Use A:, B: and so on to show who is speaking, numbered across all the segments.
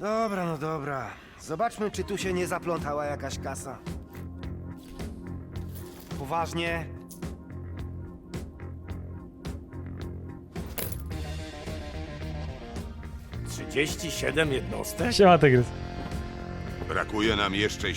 A: Dobra, no dobra. Zobaczmy, czy tu się nie zaplątała jakaś kasa. Poważnie?
B: Siedem jednostek?
C: Siema, Tygrys.
D: Brakuje nam jeszcze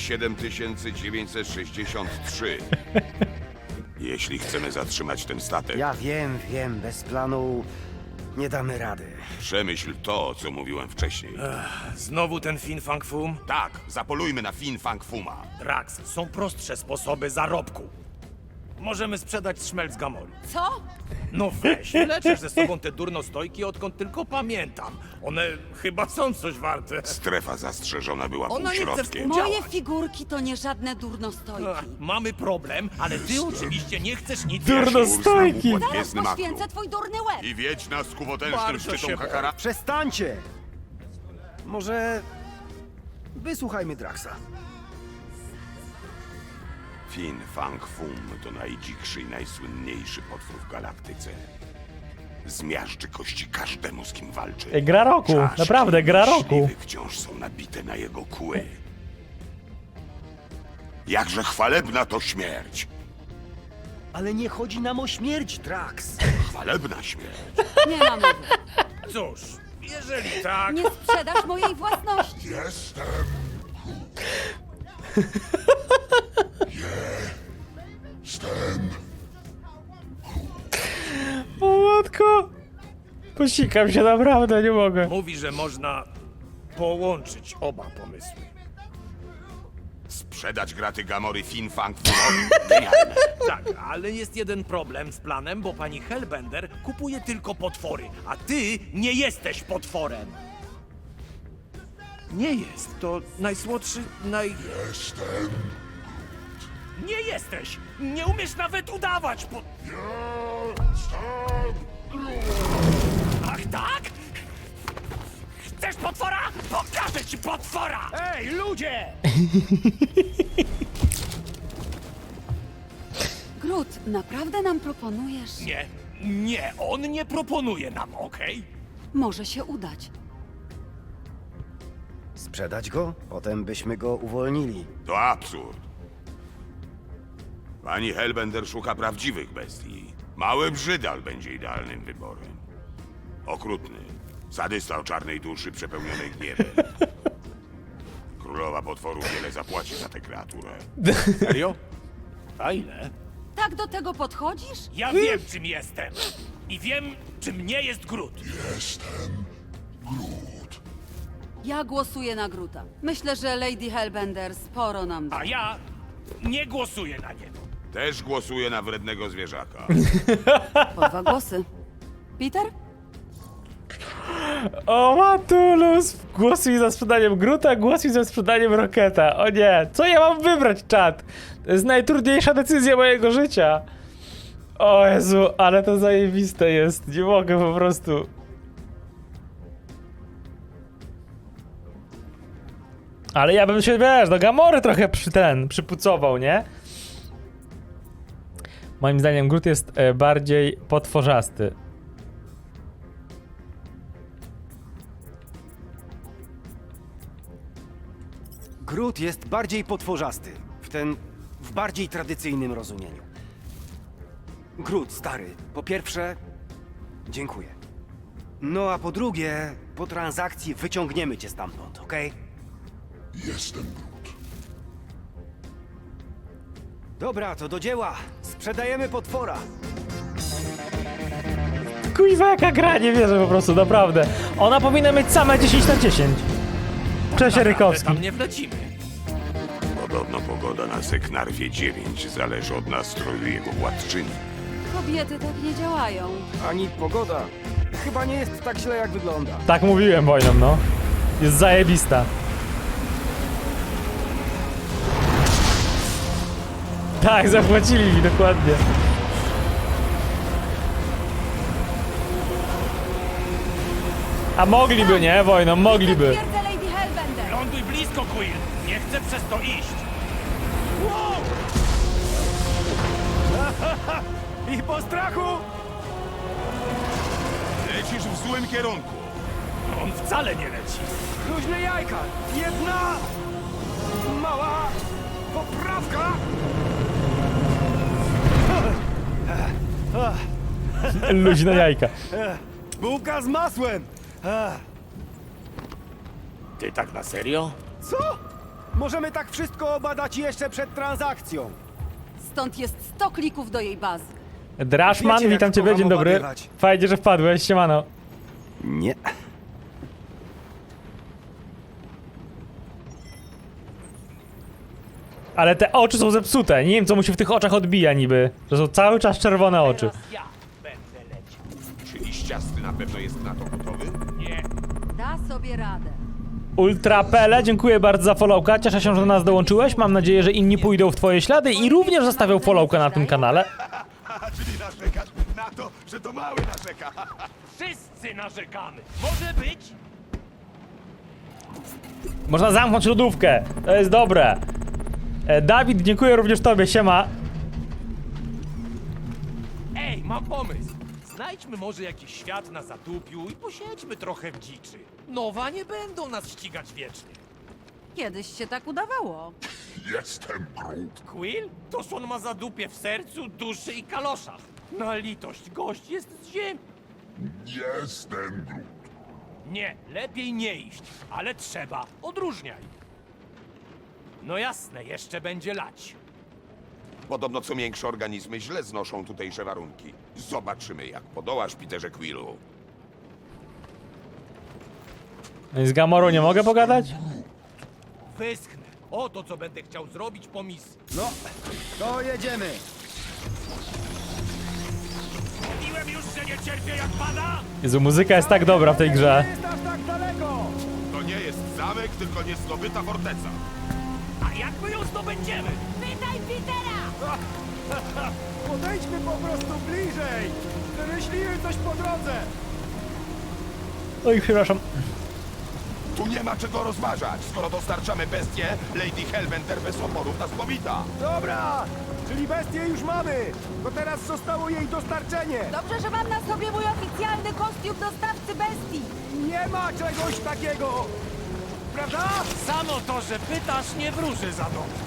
D: 7963. Jeśli chcemy zatrzymać ten statek,
A: Ja wiem, bez planu nie damy rady.
D: przemyśl to, co mówiłem wcześniej.
B: Znowu ten Fin Fang Fum?
D: Tak, zapolujmy na Fin Fang Fuma.
B: Drax, są prostsze sposoby zarobku. Możemy sprzedać szmelc Gamoli.
E: Co?
B: No weź, leczę ze sobą te durnostojki, odkąd tylko pamiętam. One chyba są coś warte.
D: Strefa zastrzeżona była
B: Ona nie chce
D: półśrodkiem.
B: współdziałać.
E: Moje figurki to nie żadne durnostojki.
B: Mamy problem, ale ty oczywiście nie chcesz nic
C: Durnostojki.
D: Układ
E: Zaraz
D: gwiezdny makru.
E: poświęcę twój durny łeb.
D: I wiedź nas ku potężnym
B: Bardzo
D: szczytom
B: się
D: Hakara.
A: Przestańcie! Może... wysłuchajmy Draxa.
D: Fin Fang Fum to najdzikszy i najsłynniejszy potwór w galaktyce. Zmiażdży kości każdemu, z kim walczy.
C: Gra roku,
D: Czaszki
C: naprawdę, gra roku.
D: myśliwych wciąż są nabite na jego kły. Jakże chwalebna to śmierć!
A: Ale nie chodzi nam o śmierć, Drax.
D: Chwalebna śmierć!
E: Nie ma mowy.
B: Cóż, jeżeli tak...
E: Nie sprzedasz mojej własności.
C: O matko. Posikam się naprawdę, nie mogę.
B: Mówi, że można połączyć oba pomysły.
D: Sprzedać graty Gamory Fin Fang Fumowi? Genialne!
B: Tak, ale jest jeden problem z planem, bo pani Hellbender kupuje tylko potwory, a ty nie jesteś potworem. Nie jest, to najsłodszy, Jestem. Nie jesteś! Nie umiesz nawet udawać Ach tak? Chcesz potwora? Pokażę ci potwora! Ej, ludzie!
E: Groot, naprawdę nam proponujesz?
B: Nie, on nie proponuje nam, okej?
E: Może się udać.
A: Sprzedać go? Potem byśmy go uwolnili.
D: To absurd. Pani Hellbender szuka prawdziwych bestii. Mały brzydal będzie idealnym wyborem. Okrutny. Sadysta o czarnej duszy przepełnionej gniewem. Królowa potworów wiele zapłaci za tę kreaturę.
B: Serio? A ile?
E: Tak do tego podchodzisz?
B: Ja wiem, czym jestem. I wiem, czym nie jest Groot.
E: Ja głosuję na Groota. Myślę, że Lady Hellbender sporo nam da.
B: A ja nie głosuję na niego.
D: Też głosuję na wrednego zwierzaka.
E: Po 2 głosy. Peter?
C: O Matulus. Głosuj za sprzedaniem Groota, głosuj za sprzedaniem Rocketa. O nie, co ja mam wybrać, czat? To jest najtrudniejsza decyzja mojego życia. O Jezu, ale to zajebiste jest. Nie mogę po prostu. Ale ja bym się, wiesz, do Gamory trochę przypucował, nie? Moim zdaniem Groot jest bardziej potworzasty.
A: Groot jest bardziej potworzasty. W bardziej tradycyjnym rozumieniu. Groot, stary, po pierwsze, dziękuję. No a po drugie, po transakcji wyciągniemy cię stamtąd, okej?
F: Jestem Groot.
A: Dobra, to do dzieła. Sprzedajemy potwora.
C: Kuźwa, jaka gra, nie wierzę po prostu, naprawdę. Ona powinna mieć same 10 na 10. Cześć, Rykowski.
B: Tam nie wlecimy.
D: Podobno pogoda na Seknarwie 9 zależy od nastroju jego władczyni.
E: Kobiety tak nie działają.
A: Ani pogoda. Chyba nie jest tak źle, jak wygląda.
C: Tak mówiłem, wojną, no. Jest zajebista. Tak, zapłacili mi, dokładnie. A mogliby, nie, wojną, mogliby.
E: Twierdzę Lady Hellbender.
B: Ląduj blisko, Quill. Nie chcę przez to iść. Wow!
A: I po strachu!
D: Lecisz w złym kierunku.
B: On wcale nie leci.
A: Luźne jajka! Jedna mała poprawka!
C: Luźne jajka.
A: Bułka z masłem!
B: Ty tak na serio?
A: Co? Możemy tak wszystko obadać jeszcze przed transakcją.
E: Stąd jest 100 klików do jej bazy.
C: Drashman,
A: Wiecie, jak
C: witam ciebie,
A: kocham
C: dzień dobry.
A: obadywać.
C: Fajnie, że wpadłeś, siemano.
A: Nie.
C: Ale te oczy są zepsute, nie wiem co mu się w tych oczach odbija niby. To są cały czas czerwone oczy.
B: Ja będę leciał.
D: Czy liściasty na pewno jest na to gotowy?
B: Nie.
E: Da sobie radę.
C: Ultra Pele, dziękuję bardzo za followka, cieszę się, że do nas dołączyłeś, mam nadzieję, że inni pójdą w twoje ślady i również zostawią followka na tym kanale.
D: Czyli narzekasz na to, że to mały narzeka.
B: Wszyscy narzekamy. Może być?
C: Można zamknąć lodówkę, to jest dobre. Dawid, dziękuję również tobie, siema.
B: Ej, mam pomysł. Znajdźmy może jakiś świat na zatupiu i posiedźmy trochę w dziczy. Nowa nie będą nas ścigać wiecznie.
E: Kiedyś się tak udawało.
F: Jestem Groot.
B: Quill? Toż on ma zadupie w sercu, duszy i kaloszach. Na litość, gość jest z ziemi.
F: Jestem Groot.
B: Nie, lepiej nie iść, ale trzeba. Odróżniaj. No jasne, jeszcze będzie lać.
D: Podobno co większe organizmy źle znoszą tutejsze warunki. Zobaczymy, jak podołasz, Peterze Quillu.
C: No i z Gamorą nie mogę pogadać?
B: Wyschnę. Oto co będę chciał zrobić po misji.
A: No, to jedziemy.
B: Mówiłem już, że nie cierpię jak pada?
C: Jezu, muzyka jest tak dobra w tej grze.
A: Nie jest aż tak daleko.
D: To nie jest zamek, tylko niezdobyta forteca.
B: A jak my ją zdobędziemy?
E: Pytaj Petera!
A: Podejdźmy po prostu bliżej. Wymyśliłem coś po drodze.
C: Oj, przepraszam.
D: Tu nie ma czego rozważać. Skoro dostarczamy bestię, Lady Hellbender bez oporów nas powita.
A: Dobra, czyli bestię już mamy. To teraz zostało jej dostarczenie.
E: Dobrze, że mam na sobie mój oficjalny kostium dostawcy bestii.
A: Nie ma czegoś takiego. Prawda?
B: Samo to, że pytasz, nie wróży za dobrze.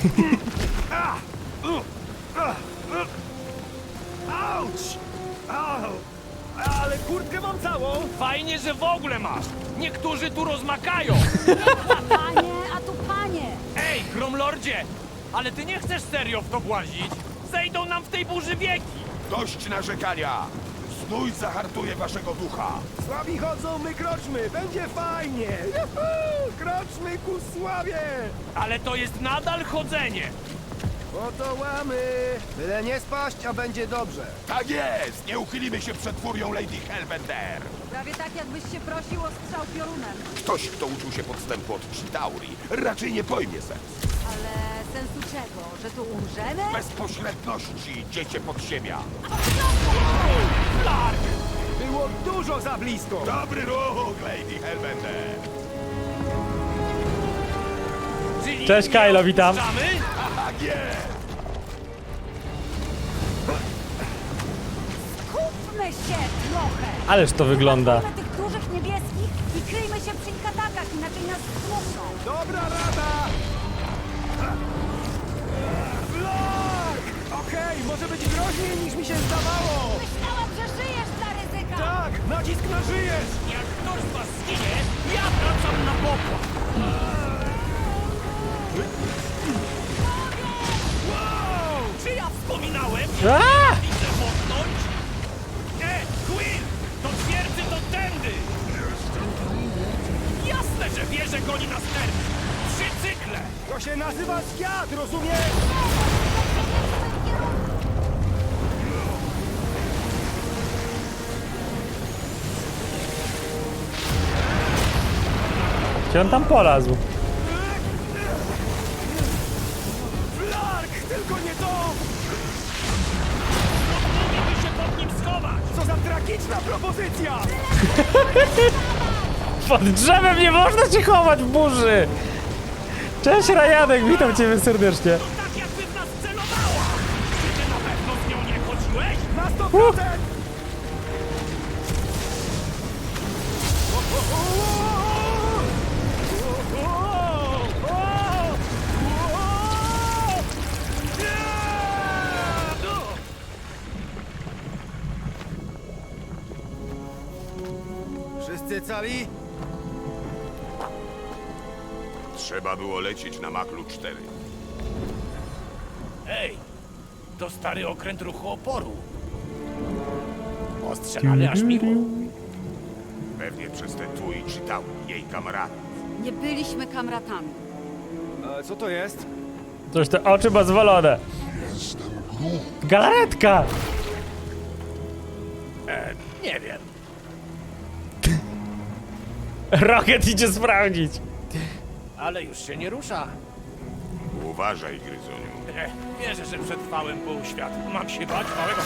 A: Auć! Au! Ale kurtkę mam całą.
B: Fajnie, że w ogóle masz. Niektórzy tu rozmakają.
E: Panie, a tu panie.
B: Ej, Gromlordzie! Ale ty nie chcesz serio w to włazić? Zejdą nam w tej burzy wieki.
D: Dość narzekania. Znój zahartuje waszego ducha.
A: Słabi chodzą, my kroczmy. Będzie fajnie. Juhu! Kroczmy ku sławie.
B: Ale to jest nadal chodzenie.
A: Oto łamy. Byle nie spaść, a będzie dobrze.
D: Tak jest! Nie uchylimy się przed furią Lady Hellbender.
E: Prawie tak, jakbyś się prosił o strzał piorunem.
D: Ktoś, kto uczył się podstępu od Chitauri, raczej nie pojmie sens.
E: Ale sensu czego? Że tu umrzemy?
D: Bezpośredności, dziecię podziemia.
B: Clark!
A: Było dużo za blisko.
D: Dobry ruch, Lady Hellbender.
B: Czyli
C: Cześć,
B: nie
C: Kylo, witam.
B: odpuszczamy?
D: Tak jest!
E: Kupmy się trochę!
C: Ależ to wygląda.
E: Kupmy tych dużych niebieskich i kryjmy się przy ich atakach, inaczej nas stłukną.
A: Dobra rada. Flak! Okej, może być groźniej niż mi się zdawało.
E: Myślałam, że żyjesz dla ryzyka!
A: Tak, nacisk na żyjesz.
B: Jak ktoś z was zginie, ja wracam na pokład. Wow! Czy ja wspominałem, że
C: A!
B: widzę mocność? Quill! Do twierdzy to tędy! Jasne, że wie, że goni nas ten! 3 cykle!
A: To się nazywa świat, rozumiesz?
C: Gdzie on tam polazł?
A: Flark, tylko nie to!
B: Musimy się pod nim schować!
A: Co za tragiczna propozycja!
C: Pod drzewem nie można się chować w burzy! Cześć Rajanek, witam ciebie serdecznie.
B: To tak jakby w nas celowała! Czy ty na pewno z nią nie chodziłeś?
A: Na 100%! Wszyscy cali?
D: Trzeba było lecieć na Maklu 4.
B: Ej, to stary okręt ruchu oporu. Ostrzelany aż miło.
D: Pewnie przez te tu i czytał jej kameradów.
E: Nie byliśmy kamratami.
A: Co to jest?
C: Coś te oczy ma zwalone. Galaretka!
B: Nie wiem.
C: Rocket idzie sprawdzić.
B: Ale już się nie rusza.
D: Uważaj, Gryzoniu.
B: Wierzę, że przetrwałem pół świata. Mam się bać małego...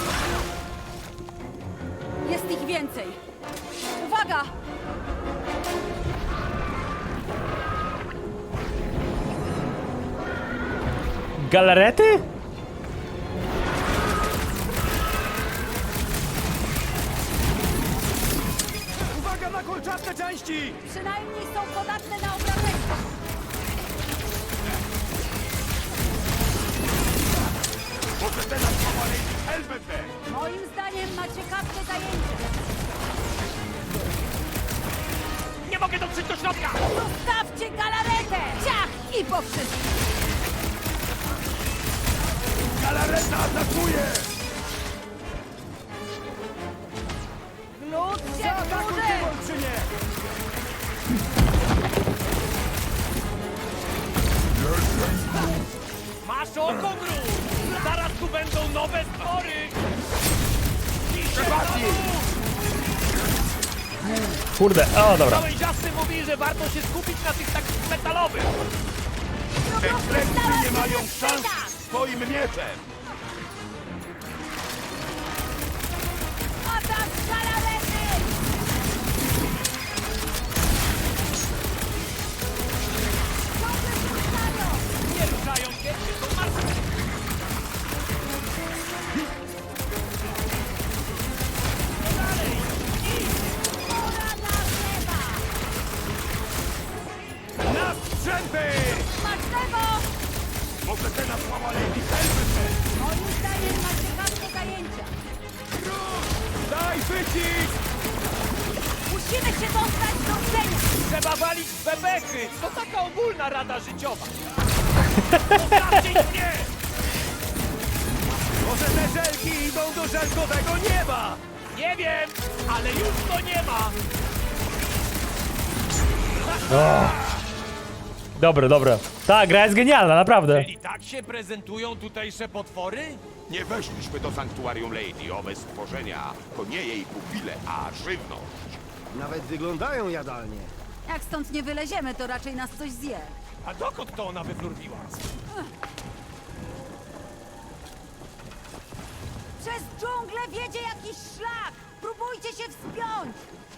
E: Jest ich więcej. Uwaga!
C: Galarety?
A: Uwaga na kolczaste części!
E: Przynajmniej są podatne na obrażenia.
D: Może teraz mała Lady Hellbender!
E: Moim zdaniem ma ciekawsze zajęcie.
B: Nie mogę dotrzeć do środka!
E: Zostawcie galaretę! Ciach i po wszystkim!
D: Galareta atakuje!
E: Lud się burzy!
A: Olbrzymie!
B: Masz oko, Groot! Zaraz tu będą nowe stwory!
C: Kurde, o dobra.
B: Gałęziasty mówi, że warto się skupić na tych takich metalowych.
D: Ekstremisty nie mają szans swoim mieczem!
E: Atak galarety! Ciągle się ruszają!
B: Nie ruszają się, są martwe.
E: Pora na chleba!
D: Na sprzęty!
E: Smacznego!
D: Może teraz mała Lady Hellbender!
E: Moim zdaniem ma ciekawsze zajęcia.
D: Daj wycisk!
E: Musimy się dostać do cenia!
B: Trzeba walić w bebechy. To taka ogólna rada życiowa. Zostawcie ich mnie!
A: Może te żelki idą do żelkowego nieba!
B: Nie wiem, ale już to nie ma.
C: Dobre, dobre. Ta gra jest genialna, naprawdę.
B: I tak się prezentują tutejsze potwory?
D: Nie weszliśmy do sanktuarium Lady. Owe stworzenia to nie jej pupile, a żywność.
A: Nawet wyglądają jadalnie.
E: Jak stąd nie wyleziemy, to raczej nas coś zje.
B: A dokąd to ona wywróciła?
E: Przez dżunglę wiedzie jakiś szlak! Próbujcie się wspiąć!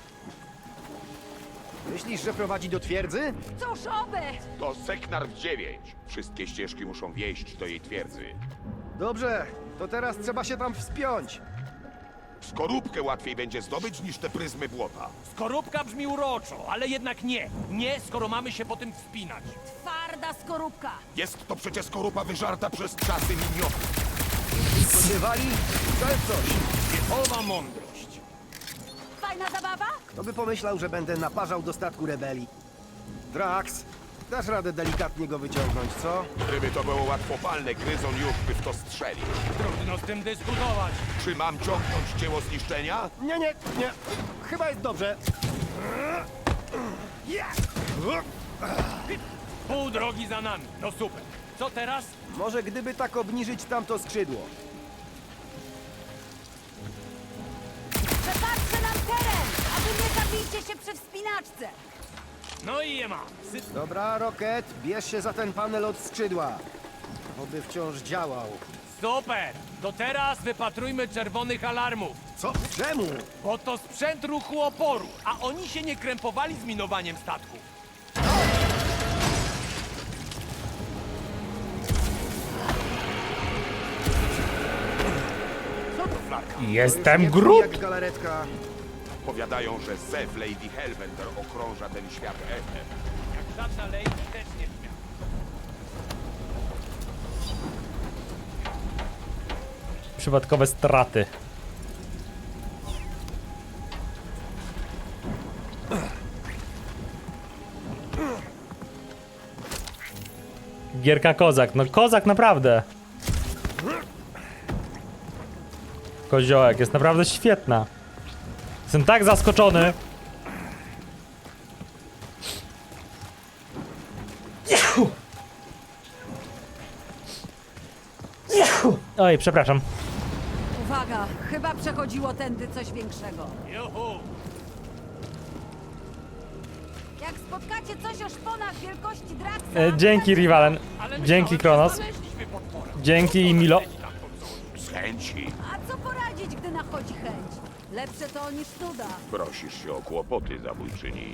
A: Myślisz, że prowadzi do twierdzy?
E: Cóż oby!
D: To Seknarf 9. Wszystkie ścieżki muszą wieść do jej twierdzy.
A: Dobrze, to teraz trzeba się tam wspiąć.
D: Skorupkę łatwiej będzie zdobyć niż te pryzmy błota.
B: Skorupka brzmi uroczo, ale jednak nie. Nie, skoro mamy się po tym wspinać.
E: Twarda skorupka!
D: Jest to przecież skorupa wyżarta przez czasy miniotów.
A: Spodziewali? To jest coś.
B: Wiechowa mądrość.
E: Fajna zabawa?
A: Kto by pomyślał, że będę naparzał do statku rebelii? Drax, dasz radę delikatnie go wyciągnąć, co?
D: Gdyby to było łatwopalne, Gryzon już by w to strzelił.
B: Trudno z tym dyskutować.
D: Czy mam ciągnąć dzieło zniszczenia?
A: Nie, nie, nie. Chyba jest dobrze.
B: Pół drogi za nami. No super. Co teraz?
A: Może gdyby tak obniżyć tamto skrzydło.
E: Przepatrzę nam teren, a wy nie zabijcie się przy wspinaczce!
B: No i je mam.
A: Dobra, Rocket, bierz się za ten panel od skrzydła. Oby wciąż działał.
B: Super. To teraz wypatrujmy czerwonych alarmów.
A: Co? Czemu?
B: Bo to sprzęt ruchu oporu, a oni się nie krępowali z minowaniem statku. Co to flarka?
C: Jestem
A: Nie brzmi
C: Groot!
A: jak galaretka.
D: Powiadają, że Zew Lady Hellbender okrąża ten świat.
B: Jak żadna lady też nie śmiała.
C: Przypadkowe straty. Gierka kozak, no kozak naprawdę. Koziołek jest naprawdę świetna. Jestem tak zaskoczony. Oj, przepraszam.
E: Uwaga, chyba przechodziło tędy coś większego.
B: Juhu!
E: Jak spotkacie coś o szponach wielkości Draxa...
C: Dzięki, Rivalen.
B: Ale
C: Dzięki,
B: myślałem,
C: Kronos.
B: że znaleźliśmy potwora.
C: Dzięki, Milo.
D: Z chęci.
E: A co poradzić, gdy nachodzi chęć? Lepsze to niż nuda.
D: Prosisz się o kłopoty, zabójczyni.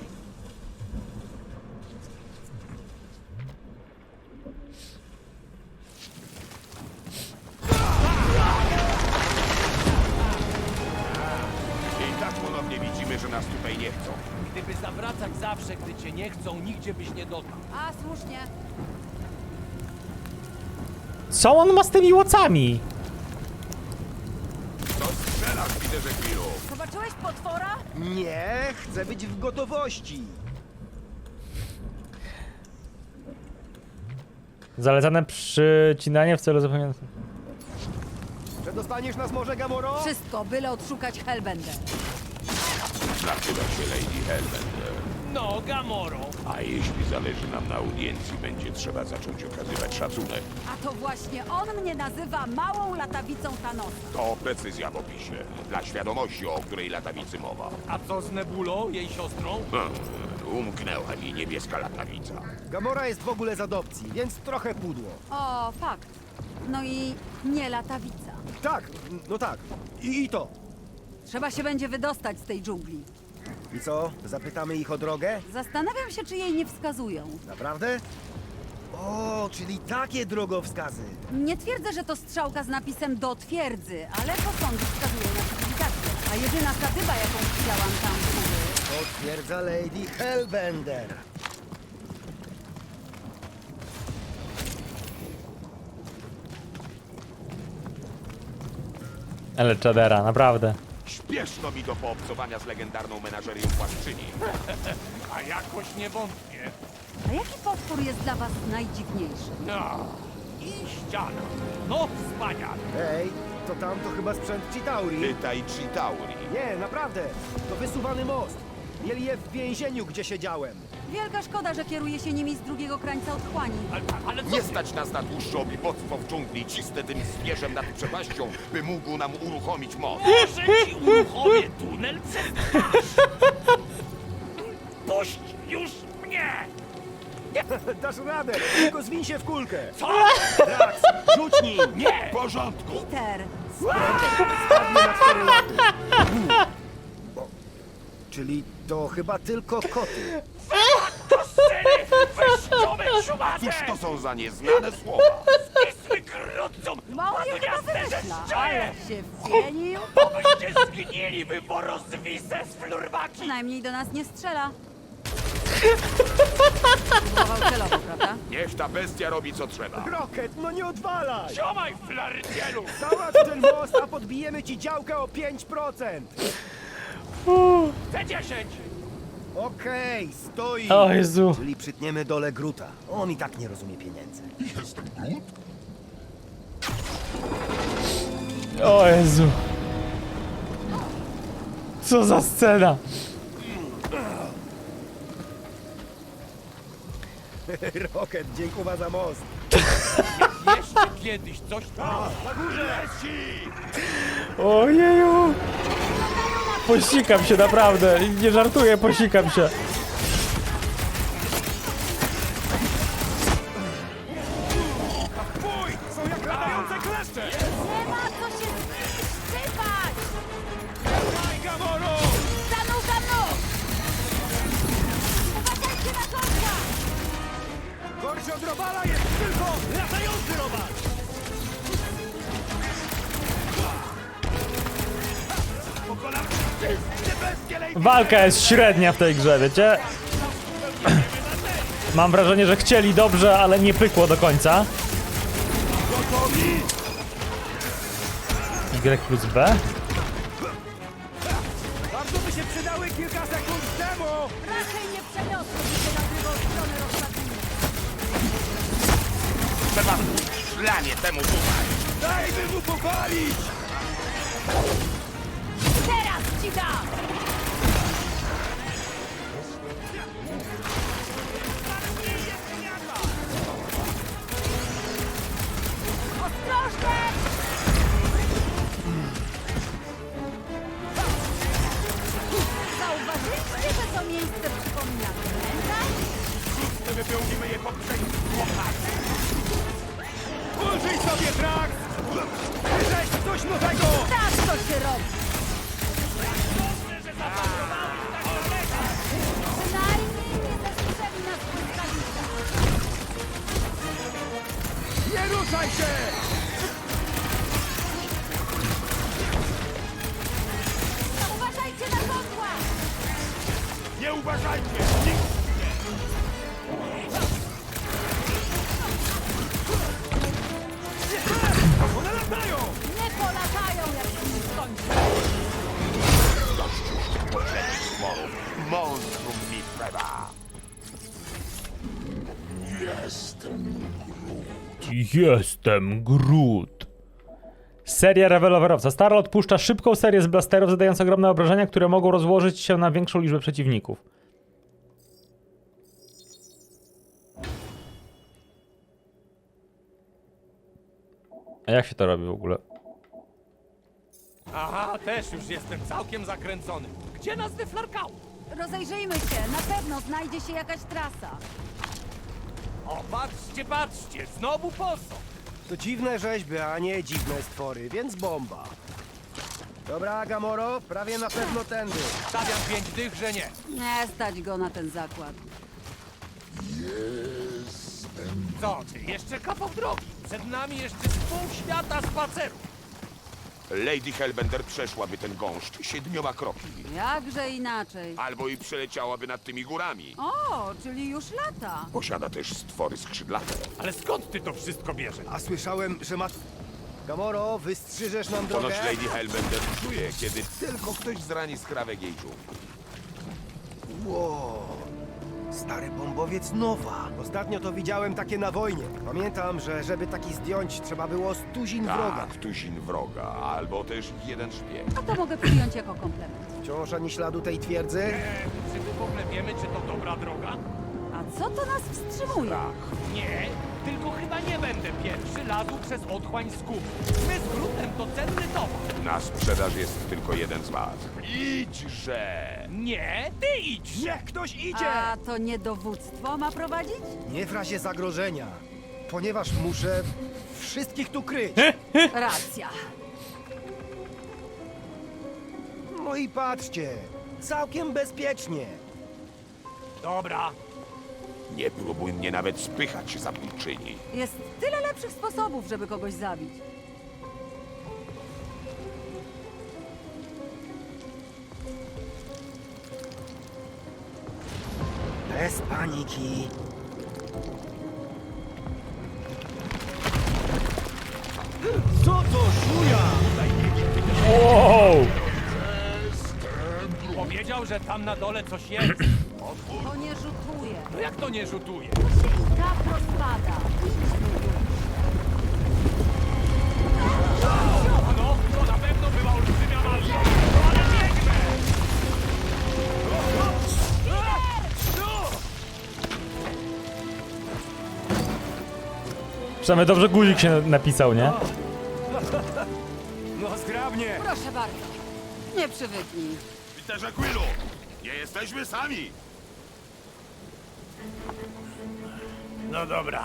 D: I tak ponownie widzimy, że nas tutaj nie chcą.
B: Gdyby zawracać zawsze, gdy cię nie chcą, nigdzie byś nie dotarł.
E: A, słusznie.
C: Co on ma z tymi łocami?
D: To strzelasz, widzę, że chwilu.
E: Zobaczyłeś potwora?
A: Nie, chcę być w gotowości.
C: Zalecane przycinanie w celu zapewnienia...
A: Przedostaniesz nas może, Gamoro?
E: Wszystko, byle odszukać Hellbender.
D: Nazywa się Lady Hellbender.
B: No, Gamoro.
D: A jeśli zależy nam na audiencji, będzie trzeba zacząć okazywać szacunek.
E: A to właśnie on mnie nazywa małą latawicą Thanosa.
D: To precyzja w opisie. Dla świadomości, o której latawicy mowa.
B: A co z Nebulą, jej siostrą?
D: Umknęła mi niebieska latawica.
A: Gamora jest w ogóle z adopcji, więc trochę pudło.
E: O, fakt. No i nie latawica.
A: Tak, no tak. I to.
E: Trzeba się będzie wydostać z tej dżungli.
A: I co? Zapytamy ich o drogę?
E: Zastanawiam się, czy jej nie wskazują.
A: Naprawdę? O, czyli takie drogowskazy.
E: Nie twierdzę, że to strzałka z napisem do twierdzy, ale posągi wskazują na cywilizację. A jedyna statywa, jaką widziałam tam w góry...
A: Potwierdza Lady Hellbender.
C: Ale czadera, naprawdę.
D: Śpieszno mi do poobcowania z legendarną menażerią płaszczyni.
B: A jakoś nie wątpię.
E: A jaki potwór jest dla was najdziwniejszy?
B: No. I ściana. No, wspaniale.
A: Ej, to tam to chyba sprzęt Chitauri.
D: Pytaj Chitauri.
A: Nie, naprawdę. To wysuwany most. Mieli je w więzieniu, gdzie siedziałem.
E: Wielka szkoda, że kieruje się nimi z drugiego krańca otchłani.
B: Ale co
D: Nie
B: ty?
D: stać nas na dłuższe obiboctwo w dżungli. Cisnę tym zwierzem nad przepaścią, by mógł nam uruchomić most.
B: Może ci uruchomię tunel przez twarz. Puść już mnie!
A: Dasz radę, tylko zwiń się w kulkę.
B: Co?
A: Drax, rzuć nim.
B: Nie!
D: W porządku.
E: Peter,
A: Spadnie na 4 lata. Czyli to chyba tylko koty.
B: To syny! Weźciowe szumate!
D: Cóż to są za nieznane słowa?
B: Kisły krótcą!
E: mało je chyba wymyśla, ale się wpienił.
B: Obyście zgnili, wy porozwisę z flurbaki!
E: Przynajmniej do nas nie strzela. Próbował celowo, prawda?
D: Niech ta bestia robi co trzeba.
A: Rocket, no nie odwalaj.
B: Ciomaj, flardzielu!
A: Załatw ten most, a podbijemy ci działkę o 5%.
B: C10!
A: Okej, stoi.
C: O Jezu.
A: Czyli przytniemy dole Gruta. On i tak nie rozumie pieniędzy.
F: Jestem Groot?
C: O Jezu. Co za scena.
A: Rocket, dziękuję za most.
B: Jeszcze kiedyś coś tam...
C: Ojeju. Posikam się naprawdę. Nie żartuję, posikam się.
A: Są jak latające kleszcze.
E: Nie ma co się szczypać!
A: Daj, Gamoro!
E: Zanurza nóg! Uważajcie na kotka!
A: Gorszy od robala jest tylko latający robal. Pokonam wszystkie bestie Lady
C: Walka jest średnia w tej grze, wiecie? Mam wrażenie, że chcieli dobrze, ale nie pykło do końca. Y plus B?
A: Bardzo by się przydały kilka sekund temu!
E: Raczej nie przeniosłoby się na drugą stronę rozsadnicy.
D: trzeba szlanie temu tutaj.
B: Dajmy mu popalić!
E: Teraz ci dam! Ostrożnie! Zauważyliście, że to miejsce przypomina cmentarz?
B: Wypełnimy je poprzednim łopaty. Ulżyj sobie, Drax! Wyżeś coś nowego!
E: Tak to się robi! Przynajmniej nie zastrzeli nas błyskawica.
B: Nie ruszaj się!
E: Uważajcie na kotła!
B: Nie uważajcie! One latają!
E: Nie polatają, jak się nie skończy.
D: Monstrum mi trzeba.
C: Jestem Groot. Seria rewolwerowca. Stara odpuszcza szybką serię z blasterów, zadając ogromne obrażenia, które mogą rozłożyć się na większą liczbę przeciwników. A jak się to robi w ogóle?
B: Aha, też już jestem całkiem zakręcony. Gdzie nas wyflarkało?
E: Rozejrzyjmy się, na pewno znajdzie się jakaś trasa.
B: O, patrzcie, patrzcie, znowu posąg.
A: To dziwne rzeźby, a nie dziwne stwory, więc bomba. Dobra, Gamoro, prawie na pewno tędy.
B: Stawiam 5 dych, że nie.
E: Nie stać go na ten zakład.
B: Co ty, jeszcze kawał drogi. Przed nami jeszcze z pół świata spaceru.
D: Lady Hellbender przeszłaby ten gąszcz 7 kroki.
E: Jakże inaczej.
D: Albo i przeleciałaby nad tymi górami.
E: O, czyli już lata.
D: Posiada też stwory skrzydlate.
B: Ale skąd ty to wszystko bierzesz?
A: A słyszałem, że ma... Gamoro, wystrzyżesz nam drogę?
D: Ponoć Lady Hellbender czuje, kiedy tylko ktoś zrani skrawek jej dżungli.
A: Wow, stary bombowiec nowa. Ostatnio to widziałem takie na wojnie. Pamiętam, że żeby taki zdjąć, trzeba było 100 wroga.
D: Tak, tuzin wroga, albo też 1 szpieg.
E: A to mogę przyjąć jako komplement.
A: Wciąż ani śladu tej twierdzy?
B: Czy my w ogóle wiemy, czy to dobra droga?
E: A co to nas wstrzymuje?
B: Nie, tylko chyba nie będę pierwszy lazł przez otchłań z gum. My z Grootem to cenny towar.
D: Na sprzedaż jest tylko jeden z was. Idźże!
B: Nie, ty idź! Niech ktoś idzie!
E: A to nie dowództwo ma prowadzić?
A: Nie w razie zagrożenia, ponieważ muszę wszystkich tu kryć.
E: Racja.
A: No i patrzcie, całkiem bezpiecznie.
B: Dobra,
D: Nie próbuj mnie nawet spychać, zabójczyni.
E: Jest tyle lepszych sposobów, żeby kogoś zabić.
A: Bez paniki. Co to szuja?
C: Wow!
B: powiedział, że tam na dole coś jest.
E: To nie rzutuje.
B: No jak to nie rzutuje?
E: To się i tak rozpada.
B: No, to na pewno była olbrzymia walka. Ale biegnę!
C: Przynajmniej dobrze guzik się napisał, nie?
A: No zgrabnie.
E: Proszę bardzo. Nie przywyknij.
D: Peterze Quillu, nie jesteśmy sami.
B: No dobra.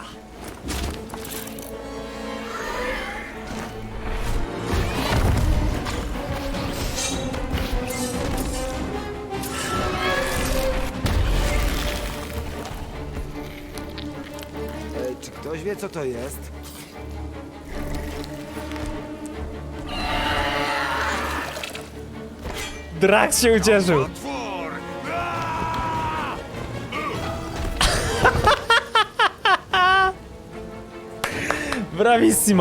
A: Czy ktoś wie, co to jest?
C: Drax się ucieszył.
D: Otwór!
C: Bravissimo.